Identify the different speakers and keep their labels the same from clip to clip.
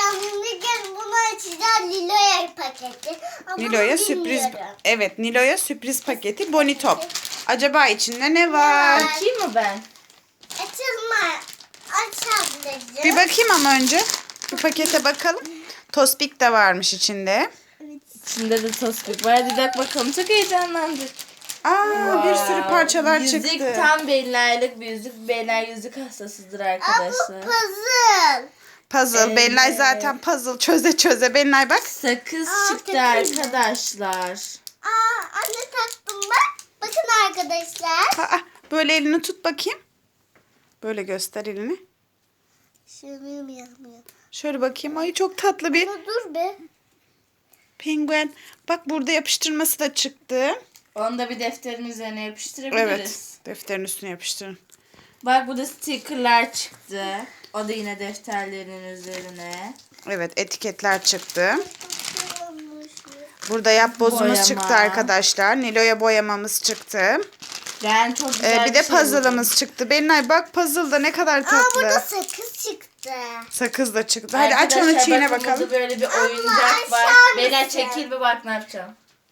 Speaker 1: Şimdi bunu açacağız Nilo'ya paketi. Ama
Speaker 2: Nilo'ya
Speaker 1: bunu
Speaker 2: sürpriz.
Speaker 1: bilmiyorum.
Speaker 2: Evet, Nilo'ya sürpriz paketi Bonitop. Acaba içinde ne var?
Speaker 3: Açayım mı ben?
Speaker 1: Açılma. Aç ablacığım.
Speaker 2: Bir bakayım ama önce. Bir pakete bakalım. Tospik de varmış içinde.
Speaker 3: İçinde de tospik var. Hadi bak bakalım. Çok heyecanlandık.
Speaker 2: Aa, bir sürü parçalar
Speaker 3: yüzük
Speaker 2: çıktı.
Speaker 3: tam Belinay'lık bir yüzük. Belinay yüzük hastasıdır
Speaker 1: Aa, bu
Speaker 3: arkadaşlar.
Speaker 1: puzzle.
Speaker 2: Puzzle.
Speaker 3: Evet.
Speaker 2: Belinay zaten puzzle çöze çöze. Belinay bak.
Speaker 3: Sakız
Speaker 1: Aa,
Speaker 3: çıktı
Speaker 1: çok güzel.
Speaker 3: arkadaşlar.
Speaker 1: Aa, anne taktım bak. Bakın arkadaşlar.
Speaker 2: Aa, böyle elini tut bakayım. Böyle göster elini.
Speaker 1: Şunu yapmıyor.
Speaker 2: Şöyle bakayım. Ay çok tatlı bir
Speaker 1: Dur be.
Speaker 2: penguen. Bak burada yapıştırması da çıktı.
Speaker 3: Onu da bir defterin üzerine yapıştırabiliriz.
Speaker 2: Evet. Defterin üstüne yapıştırın.
Speaker 3: Bak burada stickerlar çıktı. O da yine defterlerin üzerine.
Speaker 2: Evet, etiketler çıktı. Burada yapbozumuz
Speaker 3: Boyama.
Speaker 2: çıktı arkadaşlar. Nilo'ya boyamamız çıktı.
Speaker 3: Ben çok güzel
Speaker 2: Bir de
Speaker 3: şey
Speaker 2: puzzle'ımız çıktı. Belinay bak puzzle'da ne kadar
Speaker 1: Aa,
Speaker 2: tatlı.
Speaker 1: burada sakız çıktı.
Speaker 2: Sakız da çıktı.
Speaker 3: buldum.
Speaker 2: Hadi aç onu
Speaker 3: Arkadaşlar,
Speaker 2: çiğne
Speaker 3: bakın
Speaker 2: bakalım.
Speaker 3: burada böyle bir oyuncak var.
Speaker 1: aşağı
Speaker 3: Bela
Speaker 1: mısın?
Speaker 3: çekil bir bak ne yapacağım.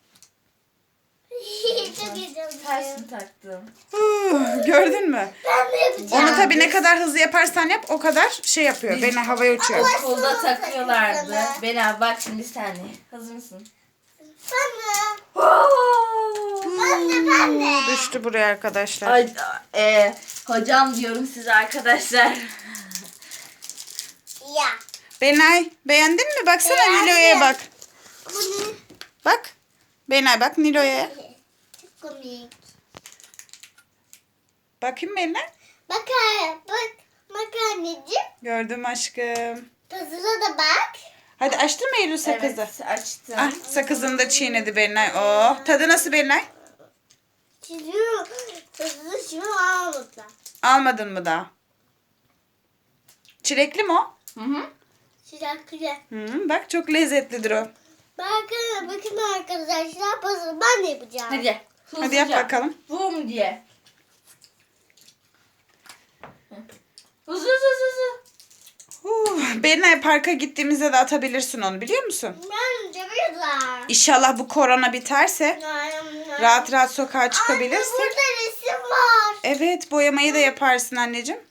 Speaker 1: Çok heyecanlıyım.
Speaker 3: Tersini taktım.
Speaker 2: Gördün mü?
Speaker 1: Ben de yapacağım.
Speaker 2: Onu tabii ne kadar hızlı yaparsan yap o kadar şey yapıyor. Belinay havaya uçuyor.
Speaker 3: Okulda
Speaker 1: Nasıl
Speaker 3: takıyorlardı.
Speaker 1: sakızını?
Speaker 3: Bela bak şimdi bir saniye. Hazır mısın?
Speaker 1: Ben de.
Speaker 2: Düştü buraya arkadaşlar.
Speaker 3: Ay, hocam diyorum size arkadaşlar.
Speaker 1: Ya.
Speaker 2: Belinay beğendin mi? Baksana
Speaker 1: Beğendim.
Speaker 2: Nilo'ya bak.
Speaker 1: Bu ne?
Speaker 2: Bak. Belinay bak Nilo'ya.
Speaker 1: Çok komik.
Speaker 2: Bakayım Belinay.
Speaker 1: Bak, bak anneciğim.
Speaker 2: Gördüm aşkım.
Speaker 1: Puzzle'a da bak.
Speaker 2: Hadi açtın mı Eylül sakızı?
Speaker 3: Evet açtım.
Speaker 2: Ah, sakızını da çiğnedi Belinay. Oh, tadı nasıl Belinay?
Speaker 1: Çiziyor. Puzzle'ı şimdi almadılar.
Speaker 2: Almadın mı daha? Çilekli mi o?
Speaker 3: Hı hı.
Speaker 1: Sıcak güzel.
Speaker 2: Bak çok lezzetlidir o.
Speaker 1: Bakın arkadaşlar puzzle ben de yapacağım.
Speaker 3: Hadi.
Speaker 2: Hadi yap
Speaker 3: hızlıca.
Speaker 2: bakalım.
Speaker 3: Bum diye. Hızlı hızlı.
Speaker 2: Belinay parka gittiğimizde de atabilirsin onu biliyor musun?
Speaker 1: Ben de biraz.
Speaker 2: İnşallah bu korona biterse rahat rahat sokağa
Speaker 1: Anne
Speaker 2: çıkabilirsek.
Speaker 1: burada resim var.
Speaker 2: Evet boyamayı da yaparsın anneciğim.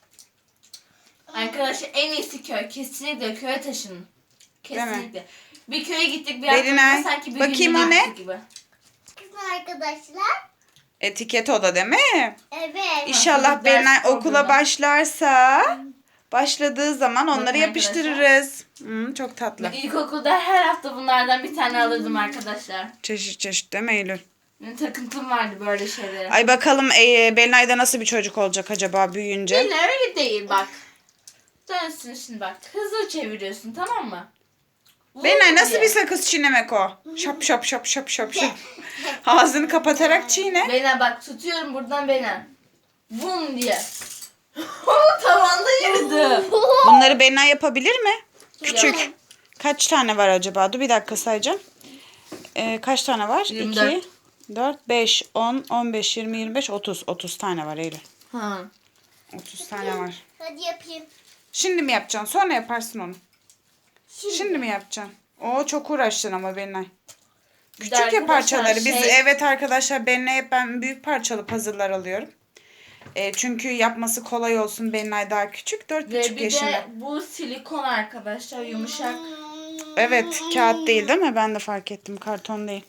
Speaker 3: Arkadaşlar en iyisi köy. Kesinlikle köye taşının.
Speaker 2: mi?
Speaker 3: Kesinlikle. Bir köye gittik bir
Speaker 2: Belinay,
Speaker 3: hafta sanki bir
Speaker 2: bakayım
Speaker 3: günlüğüne
Speaker 2: o ne?
Speaker 3: gittik gibi.
Speaker 1: Bakın arkadaşlar.
Speaker 2: Etiket o da değil mi?
Speaker 1: Evet.
Speaker 2: İnşallah
Speaker 3: çocuk ders
Speaker 2: Belinay okula
Speaker 3: programı.
Speaker 2: başlarsa başladığı zaman onları
Speaker 3: Bakın
Speaker 2: yapıştırırız. Çok tatlı.
Speaker 3: İlkokulda her hafta bunlardan bir tane alırdım arkadaşlar.
Speaker 2: Çeşit çeşit değil mi Eylül?
Speaker 3: Benim takıntım vardı böyle şeylere.
Speaker 2: Ay bakalım Belinay'da nasıl bir çocuk olacak acaba büyüyünce?
Speaker 3: Değil öyle değil bak. Dönsün şimdi bak. Hızlı çeviriyorsun tamam mı?
Speaker 2: Belinay nasıl
Speaker 3: diye.
Speaker 2: bir sakız çiğnemek o? Şap şap şap şap şap şap. Ağzını kapatarak çiğne.
Speaker 3: Bena bak tutuyorum buradan Bena. Bum diye. Tavanda yürüdü.
Speaker 2: Bunları Belinay yapabilir mi? Küçük.
Speaker 3: Yapamam.
Speaker 2: Kaç tane var acaba? Dur bir dakika sayacağım. Kaç tane var?
Speaker 3: 24.
Speaker 2: 2, 4, 5, 10, 15, 20, 25, 30. 30 tane var Eylül.
Speaker 3: Ha.
Speaker 2: 30 tane var.
Speaker 1: Hadi yapayım.
Speaker 2: Şimdi mi yapacaksın? Sonra yaparsın onu. Şimdi mi yapacaksın? Oo çok uğraştın ama Belinay. Küçük ya
Speaker 3: arkadaşlar,
Speaker 2: parçaları. Biz
Speaker 3: şey-
Speaker 2: evet arkadaşlar Belinay hep ben büyük parçalı puzzle'lar alıyorum. Çünkü yapması kolay olsun. Belinay daha küçük. 4,5
Speaker 3: Ve bir
Speaker 2: yaşında.
Speaker 3: de bu silikon arkadaşlar yumuşak.
Speaker 2: Evet kağıt değil değil mi? Ben de fark ettim. Karton değil.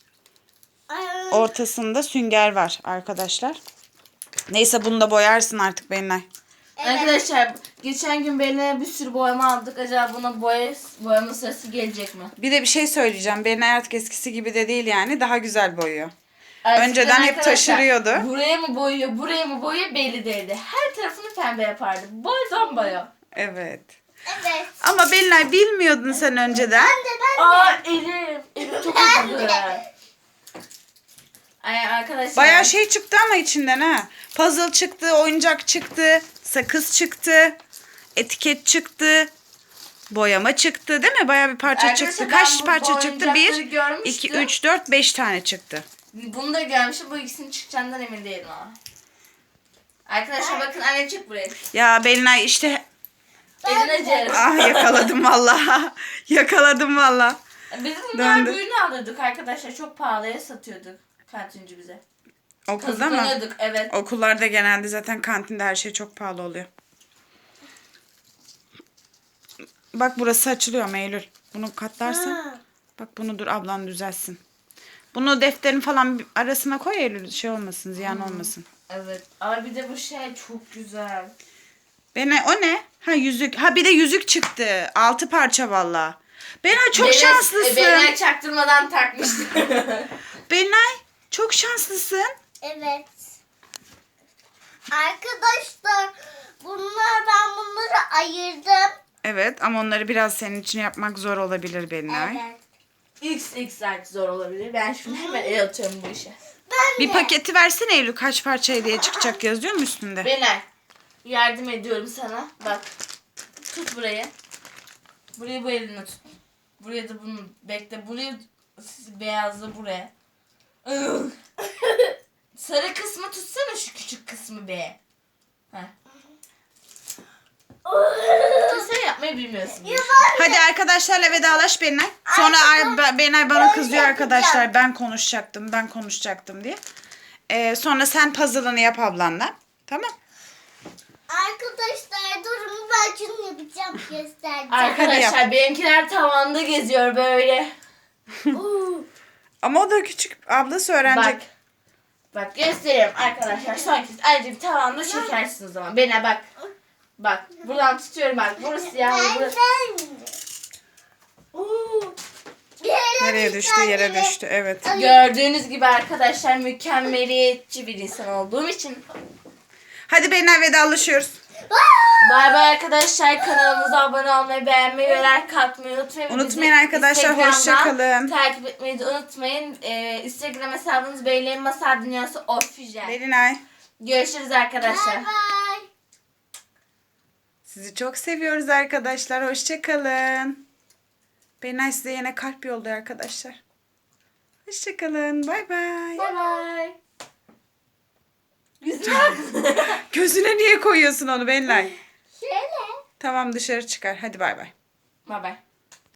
Speaker 2: Ortasında sünger var arkadaşlar. Neyse bunu da boyarsın artık Belinay.
Speaker 3: Arkadaşlar geçen gün Belina'ya bir sürü boyama aldık. Acaba buna boyama sırası gelecek mi?
Speaker 2: Bir de bir şey söyleyeceğim. Belinay artık eskisi gibi de değil yani. Daha güzel boyuyor.
Speaker 3: Eskiden
Speaker 2: Önceden hep
Speaker 3: arkadaşlar,
Speaker 2: taşırıyordu.
Speaker 3: Buraya mı boyuyor, buraya mı boyuyor belli değildi. Her tarafını pembe yapardı. Boydan boya.
Speaker 2: Evet.
Speaker 1: Evet.
Speaker 2: Ama Belinay bilmiyordun sen önceden.
Speaker 3: Aa elim. Elim çok acıdı. Ay arkadaşlar.
Speaker 2: Bayağı şey çıktı ama içinden ha. Puzzle çıktı, oyuncak çıktı, sakız çıktı, etiket çıktı, boyama çıktı değil mi? Bayağı bir parça
Speaker 3: Arkadaşlar,
Speaker 2: çıktı.
Speaker 3: ben
Speaker 2: Kaç
Speaker 3: bu
Speaker 2: parça çıktı?
Speaker 3: oyuncakları
Speaker 2: 1,
Speaker 3: görmüştüm.
Speaker 2: 2, 3, 4, 5 tane çıktı.
Speaker 3: Bunu da görmüşüm. Bu ikisinin çıkacağından emin değilim ama. Arkadaşlar bakın annem çık buraya.
Speaker 2: Ya Belinay işte
Speaker 3: Eline cerim.
Speaker 2: Ah yakaladım valla. Yakaladım valla.
Speaker 3: Biz bunlar
Speaker 2: Döndü.
Speaker 3: büyüğünü alırdık arkadaşlar. Çok pahalıya satıyorduk kantinci bize.
Speaker 2: Okulda mı?
Speaker 3: Kazıklanıyorduk, evet.
Speaker 2: Okullarda genelde zaten kantinde her şey çok pahalı oluyor. Bak burası açılıyor mu Eylül? Bunu katlarsan.
Speaker 1: Ha.
Speaker 2: Bak bunu dur ablan düzelsin. Bunu defterin falan bir arasına koy Eylül. Şey olmasın, ziyan olmasın.
Speaker 3: Evet. Ama bir de bu şey çok güzel.
Speaker 2: O ne? Ha yüzük. Ha bir de yüzük çıktı. 6 parça valla. Benay çok şanslısın.
Speaker 3: Beni çaktırmadan takmıştım.
Speaker 2: Benay çok şanslısın.
Speaker 1: Evet. Arkadaşlar ben bunları ayırdım.
Speaker 2: Evet ama onları biraz senin için yapmak zor olabilir Benay.
Speaker 1: Evet.
Speaker 3: XXL zor olabilir. Ben şimdi hemen el atıyorum bu işe.
Speaker 1: Ben
Speaker 2: Bir
Speaker 1: de.
Speaker 2: paketi versene Eylül. Kaç parça hediye çıkacak yazıyor mu üstünde?
Speaker 3: Benay. Yardım ediyorum sana. Bak. Tut burayı. Burayı bu eline tut. Buraya da bunu bekle. Burayı beyazla buraya. Sarı kısmı tutsana, şu küçük kısmı be. Heh. Sen yapmayı bilmiyorsun.
Speaker 2: Hadi arkadaşlarla vedalaş Benay. Sonra Benay bana kızıyor arkadaşlar. Ben konuşacaktım diye. Sonra sen puzzle'ını yap ablanla. Tamam.
Speaker 1: Arkadaşlar durun ben şunu yapacağım göstereceğim.
Speaker 3: Arkadaşlar benimkiler tavanda geziyor böyle.
Speaker 2: Ama o da küçük. Ablası öğrenecek.
Speaker 3: Bak. Bak gösteriyorum arkadaşlar. Son kez ayrıca bir tavanda çekersiniz o zaman. Bana bak. Bak buradan tutuyorum bak. Burası siyah. Burası.
Speaker 2: Nereye düştü? Yere düştü. Evet.
Speaker 3: Gördüğünüz gibi arkadaşlar mükemmeliyetçi bir insan olduğum için.
Speaker 2: Hadi Benay vedalaşıyoruz.
Speaker 3: Bay bay arkadaşlar. Kanalımıza abone olmayı, beğenmeyi ve like atmayı unutmayın.
Speaker 2: Unutmayın
Speaker 3: Bizi
Speaker 2: arkadaşlar,
Speaker 3: Instagram'dan
Speaker 2: hoşça kalın.
Speaker 3: Takip etmeyi de unutmayın. Instagram hesabımız Beylerin Masal Dünyası Official.
Speaker 2: Benay.
Speaker 3: Görüşürüz arkadaşlar.
Speaker 1: Bye bye.
Speaker 2: Sizi çok seviyoruz arkadaşlar. Hoşça kalın. Benay size yine kalp yolluyor arkadaşlar. Hoşça kalın. Bay bay.
Speaker 3: Bay bay. Güzel.
Speaker 2: Gözüne niye koyuyorsun onu Benay?
Speaker 1: Şöyle.
Speaker 2: Tamam dışarı çıkar. Hadi bay bay.
Speaker 3: Bay bay.